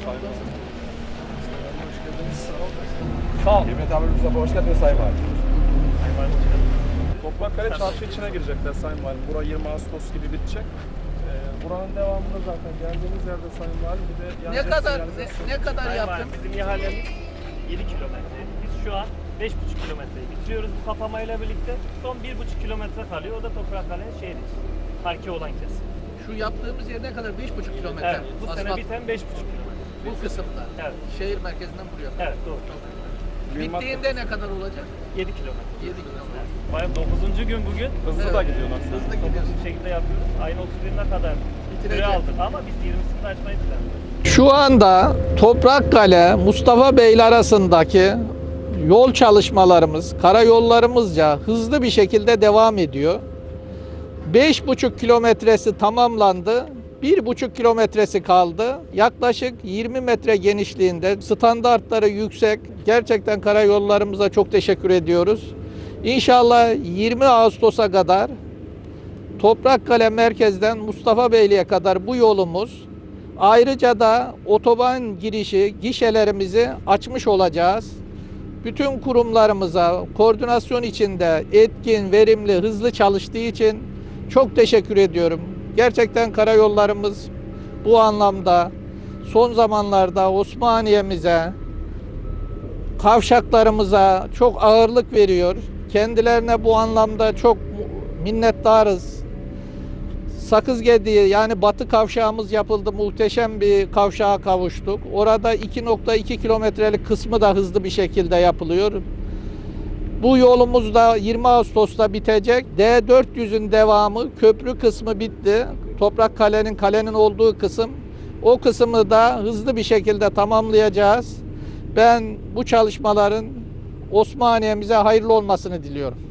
Sayın Valim. Hoş geldiniz. Sağ olun. Sağ ol. Kıymetli Amir Mustafa hoş geldiniz Sayın Valim. Toprakkale çarşı içine girecekler Sayın Valim. Bura 20 Ağustos gibi bitecek. Buranın devamında zaten geldiğimiz yerde Sayın Valim bir de yan Ne jet kadar sinyalizasyon. ne kadar Sayın yaptın? Valim, bizim ihalemiz 7 kilometre. Biz şu an 5,5 kilometreyi bitiriyoruz bu kapamayla birlikte. Son 1,5 kilometre kalıyor. O da Toprakkale'nin şehir içi. Parke olan kesim. Şu yaptığımız yer ne kadar? 5,5 kilometre. Evet, bu sene asfalt biten 5,5 kilometre. bu kısımda. Evet. Şehir merkezinden buraya. Evet, doğru. Bittiğinde ne kadar olacak? 7 kilometre. 7 kilometre. Bayım 9. gün bugün. Hızlı Evet. da gidiyorsun aslında. Hızlı Toplu gidiyorsun. bir şekilde yapıyoruz. Ayın 31'ine kadar süre Bitireceğiz. aldık ama biz 20'sinde açmayı planlıyoruz. Şu anda Toprakkale, Mustafa Beyli arasındaki yol çalışmalarımız karayollarımızca hızlı bir şekilde devam ediyor. 5,5 kilometresi tamamlandı. 1,5 kilometresi kaldı. Yaklaşık 20 metre genişliğinde, standartları yüksek. Gerçekten karayollarımıza çok teşekkür ediyoruz. İnşallah 20 Ağustos'a kadar Toprakkale merkezden Mustafa Beyli'ye kadar bu yolumuz. Ayrıca da otoban girişi gişelerimizi açmış olacağız. Bütün kurumlarımıza koordinasyon içinde etkin, verimli, hızlı çalıştığı için çok teşekkür ediyorum. Gerçekten karayollarımız bu anlamda son zamanlarda Osmaniye'mize, kavşaklarımıza çok ağırlık veriyor. Kendilerine bu anlamda çok minnettarız. Sakızgediği yani batı kavşağımız yapıldı. Muhteşem bir kavşağa kavuştuk. Orada 2,2 kilometrelik kısmı da hızlı bir şekilde yapılıyor. Bu yolumuz da 20 Ağustos'ta bitecek. D400'ün devamı köprü kısmı bitti. Toprakkale'nin kalenin olduğu kısım. O kısmı da hızlı bir şekilde tamamlayacağız. Ben bu çalışmaların Osmaniye'mize hayırlı olmasını diliyorum.